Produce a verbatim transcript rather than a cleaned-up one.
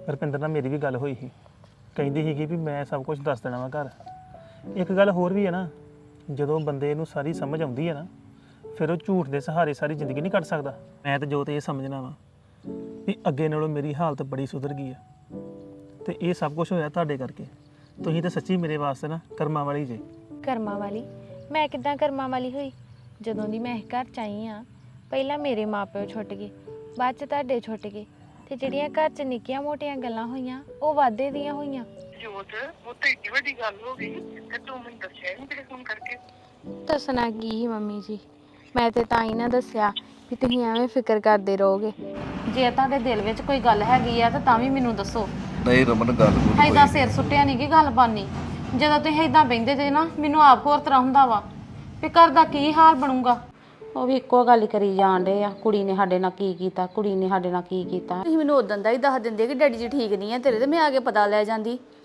ਰੁਪਿੰਦਰ ਨਾਲ ਮੇਰੀ ਵੀ ਗੱਲ ਹੋਈ ਸੀ, ਕਹਿੰਦੀ ਸੀਗੀ ਵੀ ਮੈਂ ਸਭ ਕੁਝ ਦੱਸ ਦੇਣਾ ਵਾ ਘਰ। ਇੱਕ ਗੱਲ ਹੋਰ ਵੀ ਹੈ ਨਾ, ਜਦੋਂ ਬੰਦੇ ਨੂੰ ਸਾਰੀ ਸਮਝ ਆਉਂਦੀ ਹੈ ਨਾ, ਫਿਰ ਉਹ ਝੂਠ ਦੇ ਸਹਾਰੇ ਸਾਰੀ ਜ਼ਿੰਦਗੀ ਨਹੀਂ ਕੱਟ ਸਕਦਾ। ਮੈਂ ਤਾਂ ਜੋ ਤੇ ਇਹ ਸਮਝਣਾ ਵਾ ਵੀ ਅੱਗੇ ਨਾਲੋਂ ਮੇਰੀ ਹਾਲਤ ਬੜੀ ਸੁਧਰ ਗਈ ਆ, ਤੇ ਇਹ ਸਭ ਕੁਝ ਹੋਇਆ ਤੁਹਾਡੇ ਕਰਕੇ। ਤੁਸੀਂ ਤਾਂ ਸੱਚੀ ਮੇਰੇ ਵਾਸਤੇ ਨਾ ਕਰਮਾਂ ਵਾਲੀ ਜੇ। ਕਰਮਾਂ ਵਾਲੀ? ਮੈਂ ਕਿੱਦਾਂ ਕਰਮਾਂ ਵਾਲੀ ਹੋਈ? ਜਦੋਂ ਦੀ ਮੈਂ ਇਸ ਘਰ ਚ ਆਈ ਆ, ਪਹਿਲਾਂ ਮੇਰੇ ਮਾਪਿਓ ਛੁੱਟ ਗਏ, ਬਾਅਦ ਚ ਤੁਹਾਡੇ ਛੁੱਟ ਗਏ, ਤੇ ਜਿਹੜੀਆਂ ਘਰ ਚ ਨਿੱਕੀਆਂ ਮੋਟੀਆਂ ਗੱਲਾਂ ਹੋਈਆਂ ਉਹ ਵਾਧੇ ਦੀਆਂ ਹੋਈਆਂ। ਜੋਤ ਉਹ ਤਾਂ ਏਡੀ ਵੱਡੀ ਗੱਲ ਹੋ ਗਈ ਤੇ ਤੂੰ ਮੈਨੂੰ ਦੱਸਿਆ ਨਹੀਂ ਤੇਰੇ ਫੋਨ ਕਰਕੇ। ਦੱਸਣਾ ਕੀ ਸੀ ਮੰਮੀ ਜੀ, ਮੈਂ ਤੇ ਤਾਂ ਹੀ ਨਾ ਦੱਸਿਆ ਵੀ ਤੁਸੀਂ ਐਵੇਂ ਫਿਕਰ ਕਰਦੇ ਰਹੋਗੇ। ਜੇ ਤੁਹਾਡੇ ਦਿਲ ਵਿੱਚ ਕੋਈ ਗੱਲ ਹੈਗੀ ਆ ਤਾਂ ਤਾਂ ਵੀ ਮੈਨੂੰ ਦੱਸੋ। ਨਹੀਂ ਰਮਨ ਗੱਲ ਕੋਈ ਏਦਾਂ ਸਿਰ ਸੁੱਟਿਆ ਨਹੀਂ ਕਿ ਗੱਲ ਬਾਨੀ। ਜਦੋਂ ਤੁਸੀਂ ਏਦਾਂ ਬਹਿੰਦੇ ਜੇ ਨਾ, ਮੈਨੂੰ ਆਪ ਹੋਰ ਤਰ੍ਹਾਂ ਹੁੰਦਾ ਵਾ ਵੀ ਘਰ ਦਾ ਕੀ ਹਾਲ ਬਣੂਗਾ। ਉਹ ਵੀ ਇੱਕੋ ਗੱਲ ਹੀ ਕਰੀ ਜਾਣ ਡੇ ਆ, ਕੁੜੀ ਨੇ ਸਾਡੇ ਨਾਲ ਕੀ ਕੀਤਾ, ਕੁੜੀ ਨੇ ਸਾਡੇ ਨਾਲ ਕੀ ਕੀਤਾ। ਤੁਸੀਂ ਮੈਨੂੰ ਉਦੋਂ ਦਾ ਹੀ ਦੱਸ ਦਿੰਦੇ ਕਿ ਡੈਡੀ ਜੀ ਠੀਕ ਨਹੀਂ ਆ ਤੇਰੇ, ਤੇ ਮੈਂ ਆ ਕੇ ਪਤਾ ਲੈ ਜਾਂਦੀ।